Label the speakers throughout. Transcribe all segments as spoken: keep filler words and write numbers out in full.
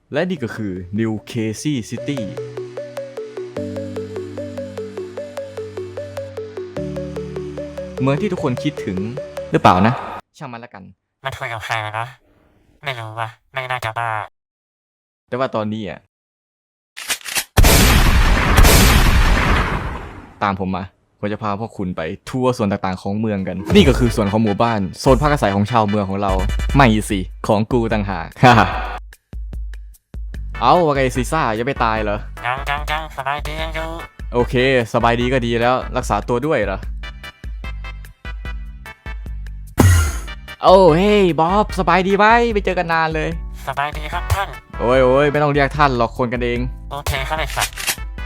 Speaker 1: และนี่ก็คือ New Casey City เมืองที่ทุกคนคิดถึงหรือเปล่านะช่างมันละกัน
Speaker 2: มันคุยกับใครนะไม่รู้ว่ะไม่น่าจะบ้า
Speaker 1: แต่ว่าตอนนี้อ่ะตามผมมาผมจะพาพวกคุณไปทัวร์ส่วนต่างๆของเมืองกันนี่ก็คือส่วนของหมู่บ้านโซนพักอาศัยของชาวเมืองของเราไม่สิของกูต่างหาก เอาว่าไงซีซ่ายังไม่ตายเหรอ
Speaker 2: ยังยังยังสบายดียังอยู่
Speaker 1: โอเคสบายดีก็ดีแล้วรักษาตัวด้วยเหรอโอ้เฮ้ยบ๊อบสบายดีไหมไม่เจอกันนานเลย
Speaker 2: สบายดีครับท่าน
Speaker 1: โอ้ยโอ้ยไม่ต้องเรียกท่านหรอกคนกันเอง
Speaker 2: โอเคครับไอ้สัตว์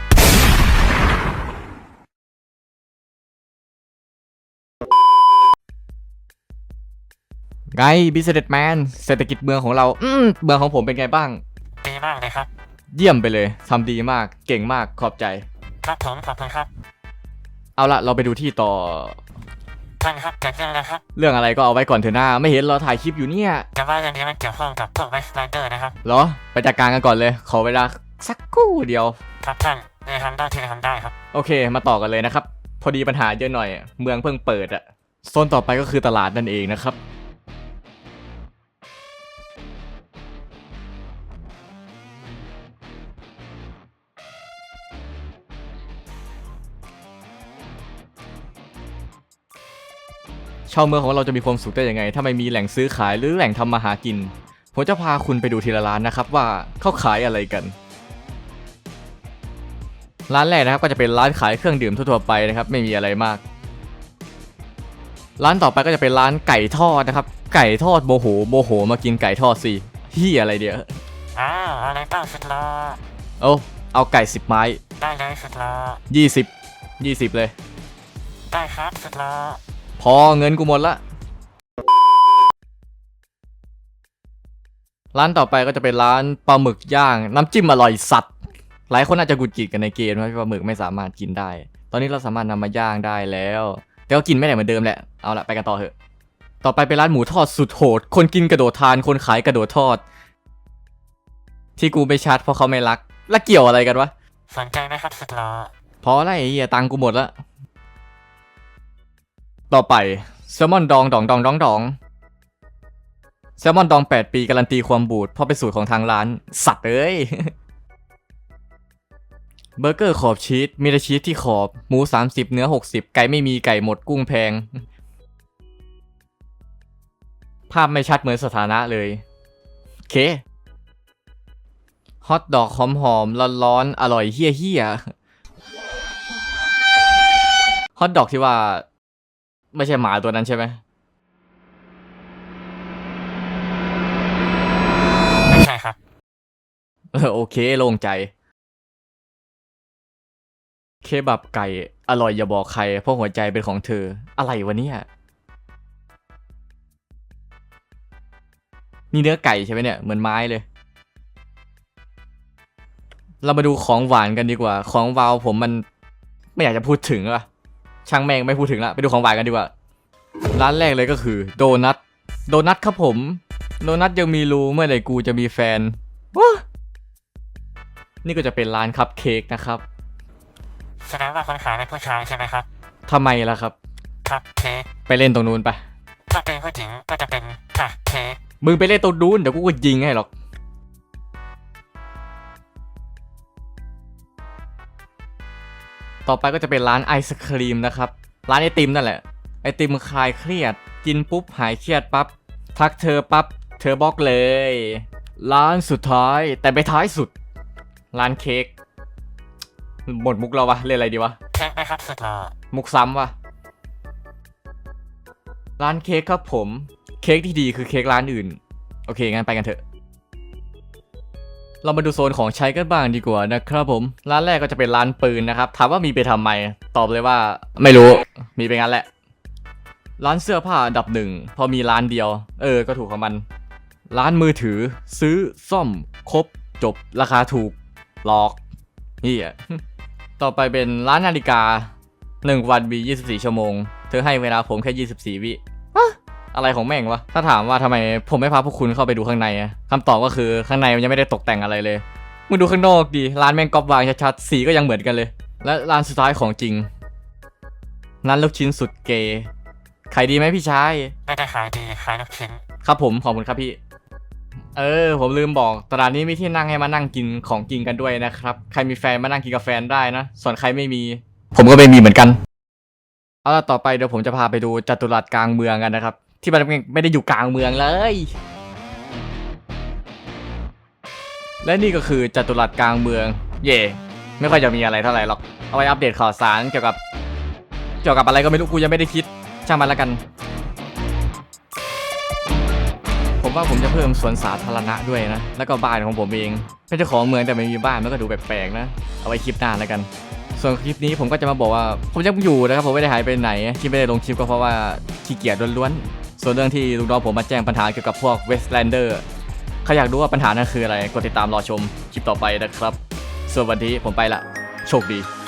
Speaker 1: ไง Businessman เศรษฐกิจเมืองของเราอืมเมืองของผมเป็นไงบ้าง
Speaker 2: ดีมากเลยครับ
Speaker 1: เยี่ยมไปเลยทำดีมากเก่งมากขอบใจ
Speaker 2: ครับผมขอบคุณครับ
Speaker 1: เอาละเราไปดูที่ต่อ
Speaker 2: ท่านครับเกิดเรื่องอะไรครับ
Speaker 1: เรื่องอะไรก็เอาไว้ก่อนเถอะหน้าไม่เห็นเราถ่ายคลิปอยู่เนี่ย
Speaker 2: แต่ว่าเรื่องนี้มันเกี่ยวข้องกับพวกไวส์ไลเดอร์นะครับ
Speaker 1: เหรอไปจัดการกันก่อนเลยขอเวลาสักครู่เดียว
Speaker 2: ครับท่านในทำได้ที่ทำได้ครับ
Speaker 1: โอเคมาต่อกันเลยนะครับพอดีปัญหาเยอะหน่อยเมืองเพิ่งเปิดอะโซนต่อไปก็คือตลาดนั่นเองนะครับชาวเมืองของเราจะมีความสุขได้ยังไงถ้าไม่มีแหล่งซื้อขายหรือแหล่งทำมาหากินผมจะพาคุณไปดูทีละร้านนะครับว่าเขาขายอะไรกันร้านแรกนะครับก็จะเป็นร้านขายเครื่องดื่มทั่วๆไปนะครับไม่มีอะไรมากร้านต่อไปก็จะเป็นร้านไก่ทอดนะครับไก่ทอดโมโหโมโหมากินไก่ทอดสิเฮียอะไรเดี๋ยว
Speaker 2: อ้าวอะไรบ้างสุดละ
Speaker 1: โอ้เอาไก่สิบไม้
Speaker 2: ได้เลยสุดละ
Speaker 1: ยี่สิบยี่สิบเลย
Speaker 2: ได้ครับสุดละ
Speaker 1: พอเงินกูหมดละร้านต่อไปก็จะเป็นร้านปลาหมึกย่างน้ำจิ้มอร่อยสัตว์หลายคนอาจจะกุดจิตกันในเกมว่าปลาหมึกไม่สามารถกินได้ตอนนี้เราสามารถนำมาย่างได้แล้วแต่ก็กินไม่ได้เหมือนเดิมแหละเอาละไปกันต่อเถอะต่อไปเป็นร้านหมูทอดสุดโหดคนกินกระโดดทานคนขายกระโดดทอดที่กูไม่ชัดเพราะเขาไม่รักแล้วเกี่ยวอะไรกันวะ
Speaker 2: สนใจไหมครับสุดละ
Speaker 1: พอแล้วไอ้เหี้ยตังกูหมดละต่อไปแซลมอนดองดองดองดองดองแซลมอนดองแปดปีการันตีความบูดเพราะเป็นสูตรของทางร้านสัตว์เอ้ยเบอร์เกอร์ขอบชีสมีแต่ชีสที่ขอบหมูสามสิบเนื้อหกสิบไก่ไม่มีไก่หมดกุ้งแพงภาพไม่ชัดเหมือนสถานะเลยโอเคฮอทดอกหอมหอมร้อนร้อนอร่อยเฮี้ยเฮี้ยฮอทดอกที่ว่าไม่ใช่หมาตัวนั้นใช่ไหม
Speaker 2: ไม่ใช่ครับ
Speaker 1: เออโอเคโล่งใจเคบับไก่อร่อยอย่าบอกใครเพราะหัวใจเป็นของเธออะไรวะเนี่ยนี่เนื้อไก่ใช่ไหมเนี่ยเหมือนไม้เลยเรามาดูของหวานกันดีกว่าของวาวผมมันไม่อยากจะพูดถึงอะช่างแม่งไม่พูดถึงละไปดูของหวานกันดีกว่าร้านแรกเลยก็คือโดนัทโดนัทครับผมโดนัทยังมีรูเมื่อไหร่กูจะมีแฟนว้านี่ก็จะเป็นร้านคัพเค้กนะครับ
Speaker 2: แสดงว่าคนขายเป็นผู้ชายใช่ไหมครับ
Speaker 1: ทำไมล่ะครับ
Speaker 2: ครับเค้ก
Speaker 1: ไปเล่นตรงนู้นไป
Speaker 2: ถ้าเป็นผู้หญิงก็จะเป็นค่ะเค้ก
Speaker 1: มึงไปเล่นตรงนู้นเดี๋ยวกูก็ยิงให้หรอกต่อไปก็จะเป็นร้านไอศครีมนะครับร้านไอติมนั่นแหละไอติมคลายเครียดกินปุ๊บหายเครียดปั๊บทักเธอปั๊บเธอบล็อกเลยร้านสุดท้ายแต่ไปท้ายสุดร้านเค้กหมดมุกแล้ววะเล่นอะไรดีวะ
Speaker 2: เค้กไหมครับสุดละ
Speaker 1: มุกซ้ำวะร้านเค้กครับผมเค้กที่ดีคือเค้กร้านอื่นโอเคงั้นไปกันเถอะเรามาดูโซนของใช้กันบ้างดีกว่านะครับผมร้านแรกก็จะเป็นร้านปืนนะครับถามว่ามีไปทำไมตอบเลยว่าไม่รู้มีไปงั้นแหละร้านเสื้อผ้าอันดับหนึ่งพอมีร้านเดียวเออก็ถูกของมันร้านมือถือซื้อซ่อมครบจบราคาถูกหลอกนี่อ่ะต่อไปเป็นร้านนาฬิกาหนึ่งวันมียี่สิบสี่ชั่วโมงเธอให้เวลาผมแค่ยี่สิบสี่วิอะไรของแม่งวะถ้าถามว่าทำไมผมไม่พาพวกคุณเข้าไปดูข้างในอะคำตอบก็คือข้างในมันยังไม่ได้ตกแต่งอะไรเลยมึงดูข้างนอกดิร้านแม่งก๊อปวางชัดๆสีก็ยังเหมือนกันเลยและร้านสุดท้ายของจริงร้านลูกชิ้นสุดเกย์ขายดีไหมพี่ชาย
Speaker 2: น่าจะขายดีขายลูกชิ้น
Speaker 1: ครับผมขอบคุณครับพี่เออผมลืมบอกตลาดนี้มีที่นั่งให้มานั่งกินของกินกันด้วยนะครับใครมีแฟนมานั่งกินกับแฟนได้นะส่วนใครไม่มี ผมก็ไม่มีเหมือนกันเอาล่ะต่อไปเดี๋ยวผมจะพาไปดูจัตุรัสกลางเมืองกันนะครับที่มันไม่ได้อยู่กลางเมืองเลยและนี่ก็คือจัตุรัสกลางเมืองเย่ไม่ค่อยจะมีอะไรเท่าไหร่หรอกเอาไว้อัปเดตข่าวสารเกี่ยวกับเกี่ยวกับอะไรก็ไม่รู้กูยังไม่ได้คิดช่างมันแล้วกันผมว่าผมจะเพิ่มสวนสาธารณะด้วยนะแล้วก็บ้านของผมเองเป็นเจ้าของเมืองแต่ไม่มีบ้านมันก็ดูแปลกๆนะเอาไว้คลิปหน้าแล้วกันส่วนคลิปนี้ผมก็จะมาบอกว่าผมยังอยู่นะครับผมไม่ได้หายไปไหนที่ไม่ได้ลงคลิปก็เพราะว่าขี้เกียจล้วนๆส่วนเรื่องที่ลูกน้องผมมาแจ้งปัญหาเกี่ยวกับพวกเวสต์แลนเดอร์ใครอยากรู้ว่าปัญหานั้นคืออะไรกดติดตามรอชมคลิปต่อไปนะครับส่วนวันนี้ผมไปละโชคดี